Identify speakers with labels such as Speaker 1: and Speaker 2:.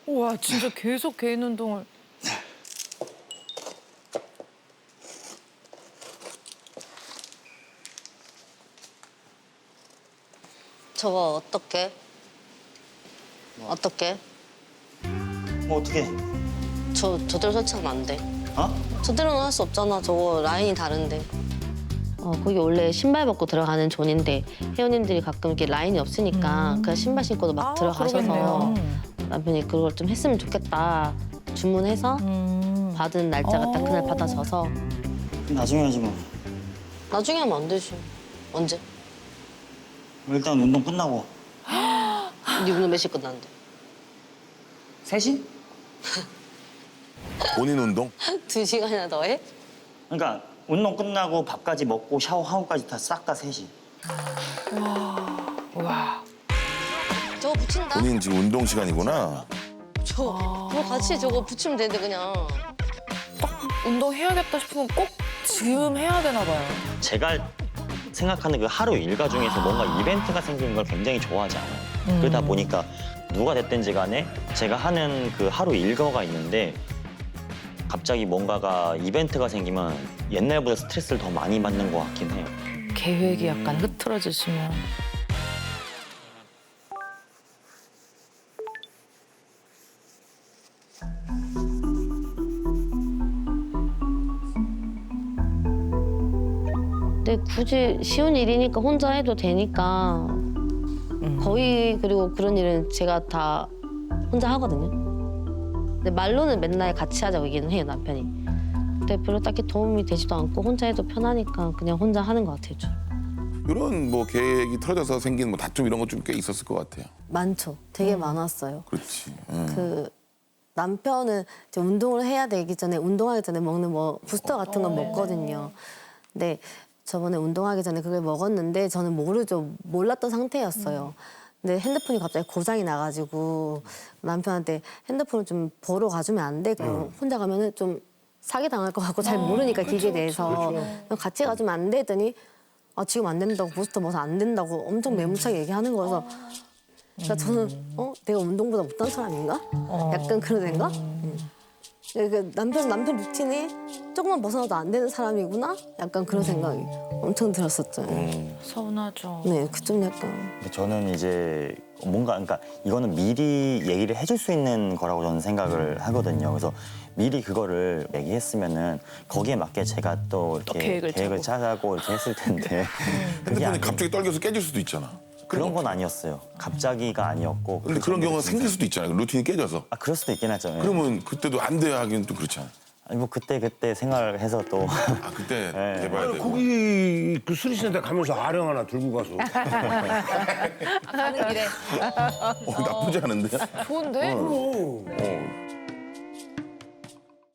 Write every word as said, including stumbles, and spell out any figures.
Speaker 1: 와 진짜 계속 개인 운동을.
Speaker 2: 저거 어떻게? 어떻게?
Speaker 3: 뭐 어떻게?
Speaker 2: 저 저대로 설치하면 안 돼.
Speaker 3: 어?
Speaker 2: 저대로는 할 수 없잖아. 저거 라인이 다른데. 어 거기 원래 신발 벗고 들어가는 존인데 회원님들이 가끔 이렇게 라인이 없으니까 그냥 신발 신고도 막
Speaker 1: 아,
Speaker 2: 들어가셔서
Speaker 1: 그러겠네요.
Speaker 2: 남편이 그걸 좀 했으면 좋겠다 주문해서
Speaker 1: 음.
Speaker 2: 받은 날짜가 딱 그날
Speaker 1: 어.
Speaker 2: 받아져서
Speaker 3: 나중에 하지 뭐.
Speaker 2: 나중에 하면 안 되지. 언제?
Speaker 3: 일단 운동 끝나고.
Speaker 2: 네 오늘 몇 시 끝났는데?
Speaker 3: 세 시?
Speaker 4: 본인 운동?
Speaker 2: 두 시간이나 더 해?
Speaker 3: 그러니까 운동 끝나고 밥까지 먹고 샤워하고까지 다 싹 다 세 시.
Speaker 1: 와.
Speaker 2: 저거 붙인다?
Speaker 4: 본인 지금 운동 시간이구나.
Speaker 2: 저, 뭐 같이 저거 붙이면 되는데 그냥.
Speaker 1: 운동해야겠다 싶으면 꼭 지금 해야 되나 봐요.
Speaker 3: 제가 생각하는 그 하루 일과 중에서 뭔가 이벤트가 생기는 걸 굉장히 좋아하지 않아요. 그러다 보니까 누가 됐든지 간에 제가 하는 그 하루 일과가 있는데 갑자기 뭔가가 이벤트가 생기면 옛날보다 스트레스를 더 많이 받는 것 같긴 해요.
Speaker 1: 계획이 약간 흐트러지시면.
Speaker 2: 근데 굳이 쉬운 일이니까 혼자 해도 되니까 거의 그리고 그런 일은 제가 다 혼자 하거든요. 근데 말로는 맨날 같이 하자고 얘기는 해요, 남편이. 근데 별로 딱히 도움이 되지도 않고 혼자 해도 편하니까 그냥 혼자 하는 것 같아요, 주로.
Speaker 4: 이런 뭐 계획이 틀어져서 생긴 뭐 다툼 이런 것 좀 꽤 있었을 것 같아요.
Speaker 5: 많죠. 되게 많았어요.
Speaker 4: 그렇지. 응.
Speaker 5: 그 남편은 이제 운동을 해야 되기 전에 운동하기 전에 먹는 뭐 부스터 같은 건 먹거든요. 근데 저번에 운동하기 전에 그걸 먹었는데 저는 모르죠. 몰랐던 상태였어요. 근데 핸드폰이 갑자기 고장이 나가지고 남편한테 핸드폰을 좀 보러 가주면 안 돼? 그럼 혼자 가면은 좀 사기 당할 것 같고 잘 모르니까 기계에 대해서 그럼 같이 가주면 안 돼? 했더니 아 지금 안 된다고 부스터 먹어서 안 된다고 엄청 매무차게 얘기하는 거여서 그러니까 저는 어 내가 운동보다 못한 사람인가? 약간 그런 생각? 음. 그러니까 남편 남편 루틴이 조금만 벗어나도 안 되는 사람이구나? 약간 그런 생각이 엄청 들었었죠.
Speaker 1: 서운하죠.
Speaker 5: 네, 그 좀 약간
Speaker 3: 근데 저는 이제 뭔가 그러니까 이거는 미리 얘기를 해줄 수 있는 거라고 저는 생각을 하거든요. 그래서 미리 그거를 얘기했으면은 거기에 맞게 제가 또 이렇게
Speaker 1: 또 계획을
Speaker 3: 계획을
Speaker 1: 짜고.
Speaker 3: 짜고 이렇게 했을 텐데 그게
Speaker 4: 핸드폰이
Speaker 3: 아니,
Speaker 4: 갑자기 떨겨서 깨질 수도 있잖아.
Speaker 3: 그런 건 아니었어요. 갑자기가 아니었고.
Speaker 4: 근데
Speaker 3: 그
Speaker 4: 그런
Speaker 3: 정도로
Speaker 4: 경우가
Speaker 3: 진짜-
Speaker 4: 생길 수도 있잖아요. 루틴이 깨져서.
Speaker 3: 아 그럴 수도 있긴 하죠. 예.
Speaker 4: 그러면 그때도 안 돼 하기는 또 그렇잖아.
Speaker 3: 아니 뭐 그때 그때 생각을 해서 또
Speaker 4: 아 그때
Speaker 3: 네.
Speaker 4: 해봐야 되고.
Speaker 6: 거기 그 수리센터 가면서 아령 하나 들고 가서
Speaker 1: 가는 길에.
Speaker 4: 어, 나쁘지 않은데?
Speaker 1: 좋은데?
Speaker 4: 어.